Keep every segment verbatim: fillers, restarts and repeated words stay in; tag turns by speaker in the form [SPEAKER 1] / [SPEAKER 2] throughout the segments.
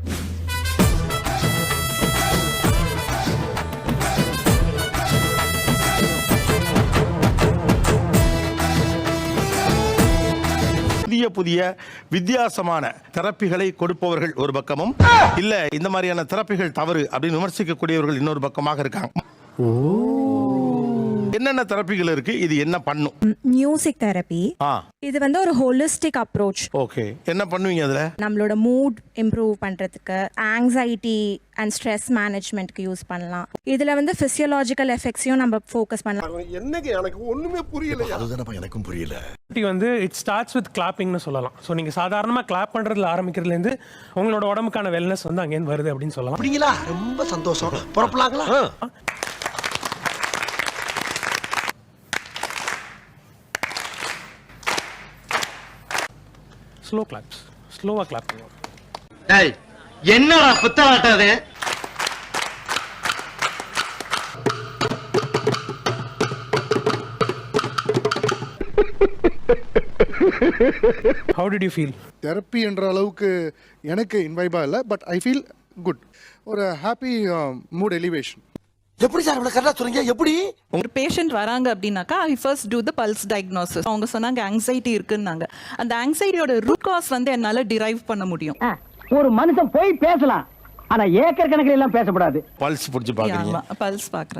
[SPEAKER 1] புதிய புதிய வித்தியாசமான தெரப்பிகளை கொடுப்பவர்கள் ஒரு பக்கமும், இல்ல இந்த மாதிரியான தெரப்பிகள் தவறு அப்படின்னு விமர்சிக்கக்கூடியவர்கள் இன்னொரு பக்கமாக இருக்காங்க. என்னென்ன தெரப்பிகள் இருக்கு, இது என்ன பண்ணும்?
[SPEAKER 2] Music therapy. இது வந்து ஒரு ஹோலிஸ்டிக் அப்ரோச்.
[SPEAKER 1] ஓகே, என்ன பண்ணுவீங்க அதுல?
[SPEAKER 2] நம்மளோட மூட் இம்ப்ரூவ் பண்றதுக்கு, ஆங்ஸைட்டி அண்ட் ஸ்ட்ரெஸ் மேனேஜ்மென்ட்க்கு யூஸ் பண்ணலாம். இதுல வந்து பிசியோலாஜிக்கல் எஃபெக்ட்ஸையும் நம்ம ஃபோக்கஸ் பண்ணலாம்.
[SPEAKER 3] என்னங்க எனக்கு ஒண்ணுமே புரியல.
[SPEAKER 4] அதுதானப்பா எனக்கும் புரியல.
[SPEAKER 5] வந்து இட் ஸ்டார்ட்ஸ் வித் கிளாப்பிங்னு சொல்லலாம். ஸோ நீங்க சாதாரணமா கிளாப் பண்றதுல ஆரம்பிக்கிறதுல இருந்து உங்களோட உடம்புக்கான வெல்னஸ் வந்து அங்கேருந்து வருது அப்படின்னு சொல்லலாம்.
[SPEAKER 3] அப்படிங்களா? ரொம்ப சந்தோஷம். புறப்படலாங்களா?
[SPEAKER 5] ஸ்லோ கிளாப்ஸ், ஸ்லோவா கிளாப் பண்ணுவோம்.
[SPEAKER 6] டேய் என்னடா புத்தலாட்டது?
[SPEAKER 5] How did you feel?
[SPEAKER 7] Therapy என்ற அளவுக்கு எனக்கு இன்வைபா இல்லை, பட் ஐ ஃபீல் குட். ஒரு ஹாப்பி மூட் எலிவேஷன்.
[SPEAKER 3] எப்படி சார் இவ்வளவு கரெக்டா சொல்றீங்க? எப்படி
[SPEAKER 8] ஒரு பேஷண்ட் வராங்க அப்படின்னாக்கா I first do the pulse diagnosis. அவங்க சொன்னாங்க ஆங்ஸைட்டி இருக்குன்னாங்க. அந்த ஆங்ஸைட்டியோட ரூட் காஸ் வந்து என்னால டிரைவ் பண்ண முடியும்.
[SPEAKER 9] ஒரு மனுஷன் போய் பேசலாம், ஆனா ஏக்கர் கணக்கில் எல்லாம் பேசக்கூடாது.
[SPEAKER 1] பல்ஸ் புடிச்சு பாக்குறீங்க?
[SPEAKER 8] பல்ஸ் பாக்குறேன்.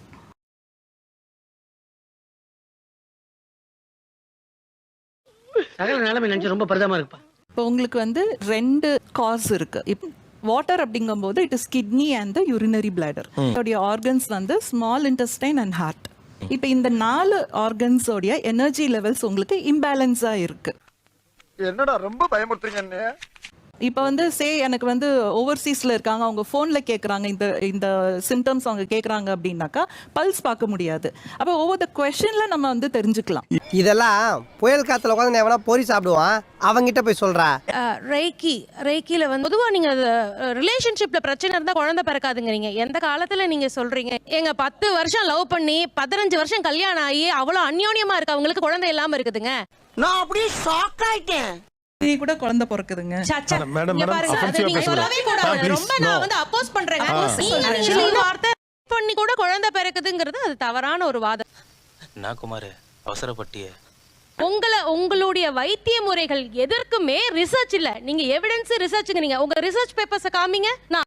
[SPEAKER 6] சகல நிலைமை நினைச்சு ரொம்ப பரிதாபமா இருக்குப்பா.
[SPEAKER 8] இப்போ உங்களுக்கு வந்து ரெண்டு காஸ் இருக்கு. இப்போ வாட்டர் அப்படிங்கும்போது it is kidney and the urinary bladder. அதோடைய ஆர்கன்ஸ் வந்து ஸ்மால் இன்டெஸ்டைன் அண்ட் ஹார்ட். இப்போ இந்த நாலு ஆர்கன்ஸோடைய எனர்ஜி லெவல்ஸ் உங்களுக்கு இம்பேலன்ஸா இருக்கு.
[SPEAKER 3] என்னடா ரொம்ப பயமுறுத்துறீங்க?
[SPEAKER 8] இப்போ வந்து சே எனக்கு வந்து ஓவர்சீஸ்ல இருக்காங்க, அவங்க போன்ல கேட்குறாங்க, இந்த இந்த சிம்டம்ஸ் அவங்க கேட்குறாங்க அப்படின்னாக்கா பல்ஸ் பார்க்க முடியாது. அப்போ ஒவ்வொரு கொஸ்டின்ல நம்ம வந்து தெரிஞ்சுக்கலாம்.
[SPEAKER 9] இதெல்லாம் புயல் காத்துல உட்காந்து எவனா பொறி சாப்பிடுவான், அவங்கிட்ட போய் சொல்றா.
[SPEAKER 10] ரேக்கி ரேக்கில வந்து பொதுவாக நீங்க ரிலேஷன்ஷிப்ல பிரச்சனை இருந்தா குழந்தை பிறக்காதுங்கிறீங்க. எந்த காலத்துல நீங்க சொல்றீங்க? எங்க பத்து வருஷம் லவ் பண்ணி பதினஞ்சு வருஷம் கல்யாணம் ஆகி அவ்வளவு அந்யோன்யமா இருக்கு, அவங்களுக்கு குழந்தை இல்லாம இருக்குதுங்க.
[SPEAKER 3] நான் அப்படியே ஷாக் ஆயிட்டேன்.
[SPEAKER 8] நீ கூட குழந்தை பிறக்குதுங்க.
[SPEAKER 1] மேடம் மேடம்
[SPEAKER 10] நீங்க சொல்லவே கூடாது. ரொம்ப நான் வந்து அப்போஸ் பண்றேன். வார்த்தை பண்ணி கூட குழந்தை பிறக்குதுங்கிறது அது தவறான ஒரு வாதம்.
[SPEAKER 11] நான் குமார் அவசரப்பட்டிய
[SPEAKER 10] உங்களை உங்களுடைய வைத்திய முறைகள் எதற்குமே ரிசர்ச் இல்ல. நீங்க எவிடன்ஸ் ரிசர்ச்ங்க. நீங்க உங்க ரிசர்ச் பேப்பர்ஸ் காமிங்க. நான்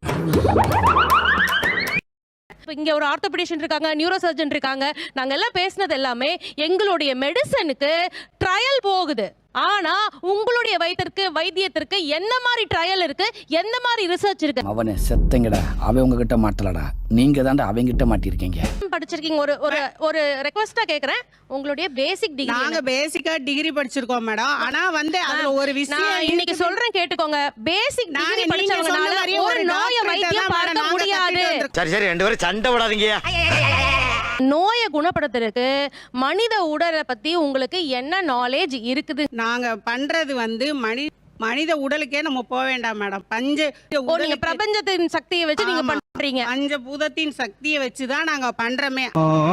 [SPEAKER 10] இங்க ஒரு ஆர்த்தோபெடிஷியன் இருக்காங்க, நியூரோ சர்ஜன் இருக்காங்க. நாங்க எல்லாம் பேசினது எல்லாமே எங்களுடைய மெடிசனுக்கு ட்ரையல் போகுது. ஆனா உங்களுடைய வைத்தியருக்கு வைத்தியத்திற்கு என்ன மாதிரி ட்ரையல் இருக்கு, எந்த மாதிரி ரிசர்ச் இருக்கு?
[SPEAKER 9] அவனே செத்தங்கடா, அவன் உங்ககிட்ட மாட்டலடா, நீங்க தான்டா அவங்க கிட்ட மாட்டிருக்கீங்க.
[SPEAKER 10] படிச்சிருக்கீங்க. ஒரு ஒரு ஒரு ரெக்வெஸ்டா கேக்குறேன், உங்களுடைய பேசிக் டிகிரி.
[SPEAKER 12] நாங்க பேசிக்கா டிகிரி படிச்சிருக்கோம் மேடம். ஆனா வந்து அதுல ஒரு விஷயம்
[SPEAKER 10] நான் இன்னைக்கு சொல்றேன் கேட்டுக்கோங்க. பேசிக் டிகிரி படிச்சவங்கனால ஒரு நோயை வைத்தியம் பார்க்க முடியாது.
[SPEAKER 6] சரி சரி ரெண்டு பேரும் சண்டை விடாதீங்க.
[SPEAKER 10] நோயை குணப்படுத்துறதுக்கு மனித உடலை பத்தி உங்களுக்கு என்ன நாலேஜ் இருக்குது?
[SPEAKER 12] நாங்க பண்றது வந்து மனி மனித உடலுக்கே நம்ம போக வேண்டாம் மேடம். பஞ்ச
[SPEAKER 10] நீங்க பிரபஞ்சத்தின் சக்தியை வச்சு நீங்க பண்றீங்க.
[SPEAKER 12] பஞ்சபூதத்தின் சக்தியை வச்சுதான் நாங்க பண்றோமே.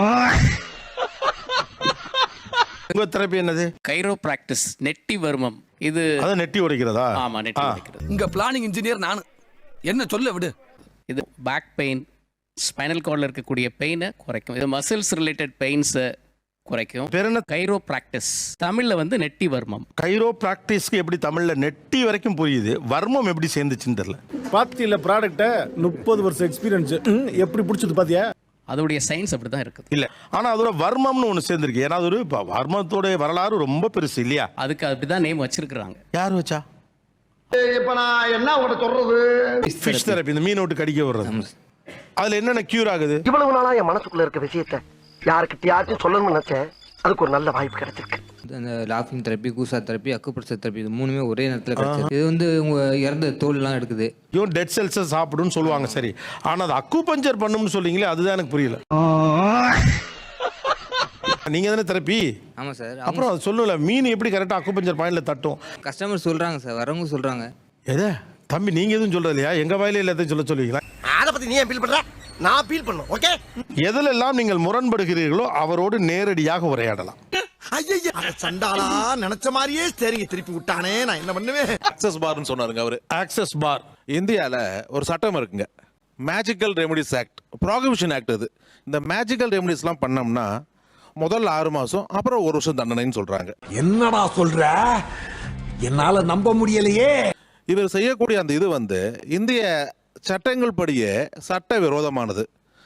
[SPEAKER 1] உங்க தெரப்பி என்னது?
[SPEAKER 11] கைரோ பிராக்டிஸ், நெட்டி வர்மம். இது
[SPEAKER 1] அத நெட்டி உடைக்கிறதா?
[SPEAKER 11] ஆமா, நெட்டி உடைக்கிறது.
[SPEAKER 9] இங்க பிளானிங் இன்ஜினியர் நான். என்ன சொல்ல விடு.
[SPEAKER 11] இது பேக் பெயின், ஸ்பைனல் கார்டில் இருக்கக்கூடிய பெயினை குறைக்கும். இது மசில்ஸ் ரிலேட்டட் பெயின்ஸை குறைக்கும்.
[SPEAKER 1] பேர் என்ன?
[SPEAKER 11] Chiro practice. தமிழ்ல வந்து நெட்டி வர்மம்.
[SPEAKER 1] கைரோ பிராக்டிஸ்க்கு எப்படி தமிழ்ல நெட்டி வரைக்கும் புரியுது, வர்மம் எப்படி சேர்ந்துச்சுன்னு தெரியல.
[SPEAKER 7] பாத்தியில ப்ராடக்ட்ட முப்பது வருஷம் எக்ஸ்பீரியன்ஸ் எப்படி பிடிச்சது பாத்தியா?
[SPEAKER 11] அதோடைய சயின்ஸ் அப்படிதான் இருக்குது.
[SPEAKER 1] இல்ல ஆனா அதோட வர்மம்னு ஒண்ணு சேர்ந்திருக்கு. ஏன்னா அது ஒரு வர்மத்தோட வரலாறு ரொம்ப பெருசு இல்லையா?
[SPEAKER 11] அதுக்கு அப்படிதான் நேம் வச்சிருக்காங்க.
[SPEAKER 1] யார் வச்சா?
[SPEAKER 3] இப்ப நான் என்ன உங்கள்ட்ட சொல்றது?
[SPEAKER 1] ஃபிஷ் தெரப்பி, இந்த மீன் விட்டு கடிக்க வர்றது. அதுல என்னென்ன கியூர் ஆகுது?
[SPEAKER 3] இவ்வளவு நாளா என் மனசுக்குள்ள இருக்க விஷயத்தை யாருக்கிட்டயாச்சும் சொல்லணும்னு நினைச்சேன். அதுக்கு ஒரு நல்ல வாய்ப்பு கிடைச்சிருக்கு.
[SPEAKER 13] அந்த லாஃபிங் தெரப்பி, கூசா தெரப்பி, அக்குப்ரெஷர் தெரப்பி, இது மூணுமே ஒரே நேரத்தில் கிடைச்சது. இது வந்து உங்க இறந்த தோல்லாம் எடுக்குது.
[SPEAKER 1] இவன் டெட் செல்ஸை சாப்பிடுன்னு சொல்லுவாங்க. சரி, ஆனா அது அக்குபஞ்சர் பண்ணும்னு சொல்றீங்களே, அதுதான் எனக்கு புரியல. நீங்க தானே தெரப்பி?
[SPEAKER 13] ஆமா சார்.
[SPEAKER 1] அப்புறம் அது சொல்லல, மீன் எப்படி கரெக்டா அக்குபஞ்சர் பாயிண்ட்ல தட்டும்?
[SPEAKER 13] கஸ்டமர் சொல்றாங்க சார், வரவங்க சொல்றாங்க.
[SPEAKER 1] எதே தம்பி, நீங்க எதுவும் சொல்றது இல்லையா? எங்க வாயில எல்லாத்தையும் சொல்ல சொல்லுவீங்களா?
[SPEAKER 3] அதை பத்தி நீ ஏன் ஃபீல் பண்ற? நான் ஃபீல் பண்ணும். ஓகே,
[SPEAKER 1] எதிலெல்லாம் நீங்கள் முரண்படுகிறீர்களோ அவரோடு நேரடியாக உரையாடலாம்.
[SPEAKER 3] ஐயா சண்டாளா நினைச்ச மாதிரியே சரிங்க திருப்பி விட்டானே நான் என்ன பண்ணுவேன்.
[SPEAKER 1] ஆக்சஸ் பார்னு சொன்னாருங்க அவரு. Access bar. இந்தியால ஒரு சட்டம் இருக்குங்க, magical remedies act, prohibition act. அது இந்த மேஜிக்கல் ரெமடிஸ்லாம் பண்ணோம்னா முதல்ல ஆறு மாசம் அப்புறம் ஒரு வருஷம் தண்டனைன்னு சொல்றாங்க.
[SPEAKER 3] என்னடா சொல்ற, என்னால நம்ப முடியலையே.
[SPEAKER 1] இவர் செய்யக்கூடிய அந்த இது வந்து இந்திய சட்டங்கள் படியே சட்ட விரோதமானது.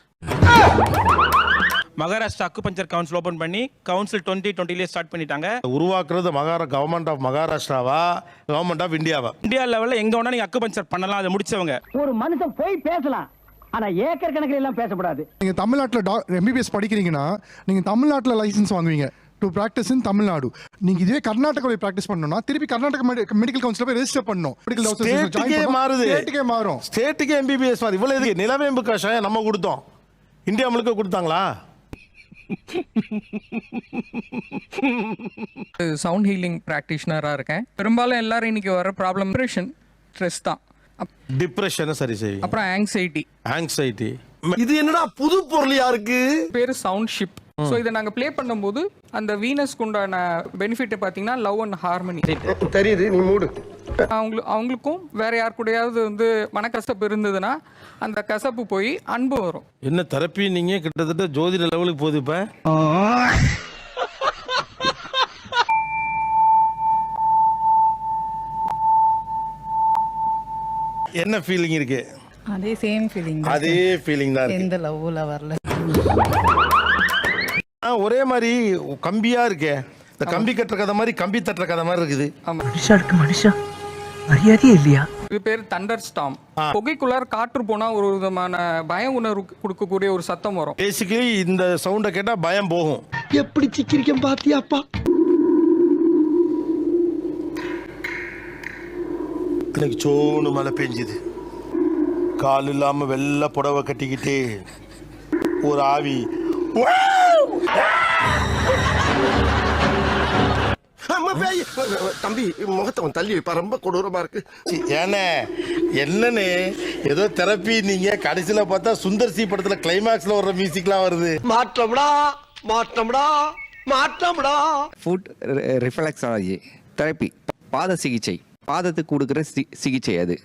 [SPEAKER 5] மகாராஷ்டிரா அக்குபஞ்சர் கவுன்சில் ஓபன் பண்ணி கவுன்சில் டுவெண்ட்டி டுவெண்ட்டிலே ஸ்டார்ட் பண்ணிட்டாங்க.
[SPEAKER 1] உருவாக்குறது மகாரா கவர்மெண்ட் ஆஃப் மகாராஷ்டிராவா கவர்மெண்ட் ஆஃப் இந்தியாவா?
[SPEAKER 5] இந்தியா லெவலில் எங்க வேணா நீங்க அக்குபஞ்சர் பண்ணலாம், அதை முடிச்சவங்க.
[SPEAKER 6] ஒரு மனுஷன் போய் பேசலாம், ஆனா ஏக்கர் கணக்கில் எல்லாம் பேசக்கூடாது.
[SPEAKER 7] நீங்கள் தமிழ்நாட்டில் டா எம்பிபிஎஸ் படிக்கிறீங்கன்னா நீங்கள் தமிழ்நாட்டில் லைசன்ஸ் வாங்குவீங்க டு ப்ராக்டிஸ் இன் தமிழ்நாடு. நீங்க இதுவே கர்நாடகாவில் ப்ராக்டிஸ் பண்ணணும்னா திருப்பி கர்நாடக மெடிக்கல் கவுன்சில் போய் ரெஜிஸ்டர் பண்ணணும்.
[SPEAKER 1] ஸ்டேட்டுக்கே மாறுது.
[SPEAKER 7] ஸ்டேட்டுக்கே மாறும்.
[SPEAKER 1] ஸ்டேட்டுக்கே எம்பிபிஎஸ் மாறுது. இவ்வளவு எதுக்கு நிலவேம்பு கஷாயம் நம்ம கொடுத்தோம், இந்தியா முழுக்க கொடுத்தாங்களா?
[SPEAKER 13] சவுண்ட் ஹீலிங் ப்ராக்டிஷனராக இருக்கேன். பெரும்பாலும் எல்லாரும் இன்னைக்கு வர ப்ராப்ளம் டிப்ரெஷன், ஸ்ட்ரெஸ் தான்.
[SPEAKER 1] டிப்ரெஷன் சரி சரி.
[SPEAKER 13] அப்புறம் ஆங்ஸைட்டி.
[SPEAKER 1] ஆங்ஸைட்டி.
[SPEAKER 3] இது என்னடா புது பொருளியா இருக்கு.
[SPEAKER 13] பேர் சவுண்ட் ஷிப். ஸோ இதை நாங்கள் ப்ளே பண்ணும்போது அந்த வீனஸ்க்கு உண்டான பெனிஃபிட் பார்த்தீங்கன்னா லவ் அண்ட் ஹார்மனி
[SPEAKER 3] தெரியுது. நீ மூடு.
[SPEAKER 13] அவங்களுக்கு அவங்களுக்கும் வேற யார் கூடயாவது வந்து மனக்கசப்பு இருந்ததுன்னா அந்த கசப்பு போய் அன்பு வரும்.
[SPEAKER 1] என்ன தெரப்பி நீங்க கிட்டத்தட்ட ஜோதிட லெவலுக்கு போகுது இப்ப. என்ன ஃபீலிங் இருக்கு?
[SPEAKER 8] அதே சேம் ஃபீலிங்.
[SPEAKER 1] அதே ஃபீலிங் தான் இருக்கு.
[SPEAKER 8] எந்த லவ்ல வரல.
[SPEAKER 1] ஆ, ஒரே மாதிரி கம்பியா இருக்கே. இந்த கம்பி கட்டுற கதை மாதிரி கம்பி தட்டுற கதை மாதிரி இருக்குது.
[SPEAKER 3] மனுஷாருக்கு மனுஷா மரியாதையே இல்லையா?
[SPEAKER 13] இது பேர் தண்டர் ஸ்டாம். புகைக்குள்ளார காற்று போனா ஒரு விதமான பய உணர்வு கொடுக்கக்கூடிய ஒரு சத்தம் வரும்.
[SPEAKER 1] பேசிக்கலி இந்த சவுண்டை கேட்டா பயம் போகும்.
[SPEAKER 3] எப்படி சிக்கிரிக்கம் பாத்தியாப்பா?
[SPEAKER 1] இன்னைக்கு சோனு மழை பெஞ்சுது. கால் இல்லாம வெள்ளை புடவை கட்டிக்கிட்டு ஒரு ஆவி.
[SPEAKER 3] தம்பி முகத்தை தள்ளி வைப்பா, ரொம்ப கொடூரமா இருக்கு.
[SPEAKER 1] ஏன்னா என்னன்னு ஏதோ தெரப்பி நீங்க கடைசியில பார்த்தா சுந்தர் சி படத்துல கிளைமாக்ஸ்ல வர்ற மியூசிக்லாம் வருது.
[SPEAKER 3] மாற்றம்டா மாற்றம்டா மாற்றம்டா.
[SPEAKER 13] ஃபுட் ரிஃப்ளெக்ஸாலஜி தெரப்பி, பாத சிகிச்சை, பாதத்துக்கு கொடுக்குற சிகிச்சை. அது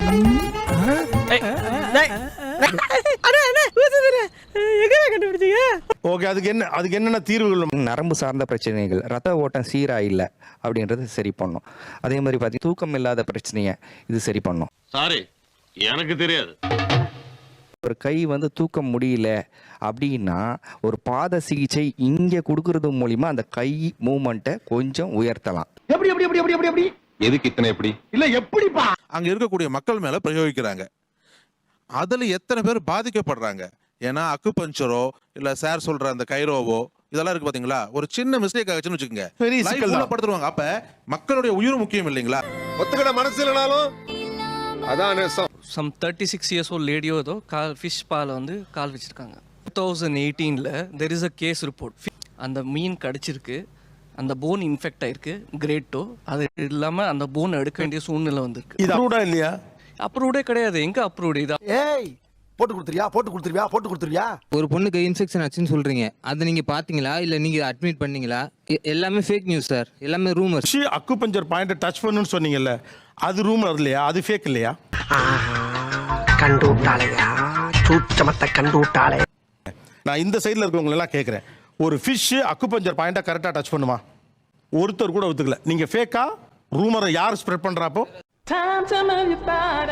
[SPEAKER 1] ஓகே, அதுக்கு என்ன அதுக்கு என்னென்ன தீர்வுகள்?
[SPEAKER 13] நரம்பு சார்ந்த பிரச்சனைகள், ரத்த ஓட்டம் சீரா இல்லை அப்படின்றது சரி பண்ணும். அதே மாதிரி பார்த்தீங்கன்னா தூக்கம் இல்லாத பிரச்சனையை இது சரி பண்ணும்.
[SPEAKER 6] சாரி, எனக்கு தெரியாது.
[SPEAKER 13] ஒரு கை வந்து தூக்க முடியல அப்படின்னா ஒரு பாத சிகிச்சை இங்கே கொடுக்கறது மூலிமா அந்த கை மூமெண்ட்டை கொஞ்சம் உயர்த்தலாம்.
[SPEAKER 3] எப்படி எப்படி எப்படி எப்படி எப்படி
[SPEAKER 1] எதுக்கு இத்தனை எப்படி
[SPEAKER 3] இல்ல எப்படிப்பா
[SPEAKER 1] அங்க இருக்கக்கூடிய மக்கள் மேல பிரயோகிக்கிறாங்க. அதுல எத்தனை பேர் பாதிக்கப்படுறாங்க? ஏன்னா அக்குபஞ்சரோ இல்ல சார் சொல்ற அந்த கைரோவோ இதெல்லாம் இருக்கு பாத்தீங்களா, ஒரு சின்ன மிஸ்டேக் ஆச்சுன்னு வச்சுக்கோங்க, பெரிய சிக்கல்ல படுத்துருவாங்க. அப்ப மக்களுடைய உயிர் முக்கியம் இல்லைங்களா?
[SPEAKER 3] ஒத்துக்கிட மனசு இல்லனாலும் அதான் நேசம்.
[SPEAKER 13] Some thirty six years old லேடியோ ஏதோ கால் ஃபிஷ் பால் வந்து கால் வச்சிருக்காங்க. டூ தௌசண்ட் எயிட்டீனில் there is a case report. அந்த மீன் கடிச்சிருக்கு, அந்த போன் இன்ஃபெக்ட் ஆயிருக்கு, கிரேட் டோ. அது இல்லாமல் அந்த போன் எடுக்க வேண்டிய சூழ்நிலை வந்திருக்கு.
[SPEAKER 1] இது அப்ரூவ்டா இல்லையா?
[SPEAKER 13] அப்ரூவ்டே கிடையாது. எங்க அப்ரூவ்டு? இதா
[SPEAKER 3] ஏய் போட்டு கொடுத்துருவியா போட்டு கொடுத்துருவியா போட்டு கொடுத்துருவியா?
[SPEAKER 13] ஒரு பொண்ணுக்கு இன்ஃபெக்ஷன் ஆச்சுன்னு சொல்றீங்க, அதை நீங்க பாத்தீங்களா இல்ல நீங்க அட்மிட் பண்ணீங்களா? எல்லாமே ஃபேக் நியூஸ் சார், எல்லாமே ரூமர்.
[SPEAKER 1] அக்குபஞ்சர் பாயிண்ட் டச் பண்ணுன்னு சொன்னீங்கல்ல, அது ரூமர் இல்லையா? அது ஃபேக் இல்லையா?
[SPEAKER 3] கண்டு விட்டாளையா, சூச்சமத்தை கண்டு விட்டாளே.
[SPEAKER 1] நான் இந்த சைடுல இருக்கவங்க எல்லாம் கேட்கிறேன், ஒரு ஃபிஷ் அக்குபஞ்சர் பாயிண்டா கரெக்டா டச் பண்ணுமா? ஒருத்தர் கூட ஒத்துக்கல. நீங்க ஃபேக்கா ரூமரை யார் ஸ்ப்ரெட் பண்றாப்போ?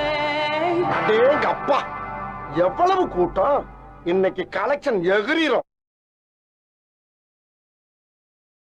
[SPEAKER 3] அப்பா எவ்வளவு கூட்டம் இன்னைக்கு கலெக்ஷன் எகிரிரும்.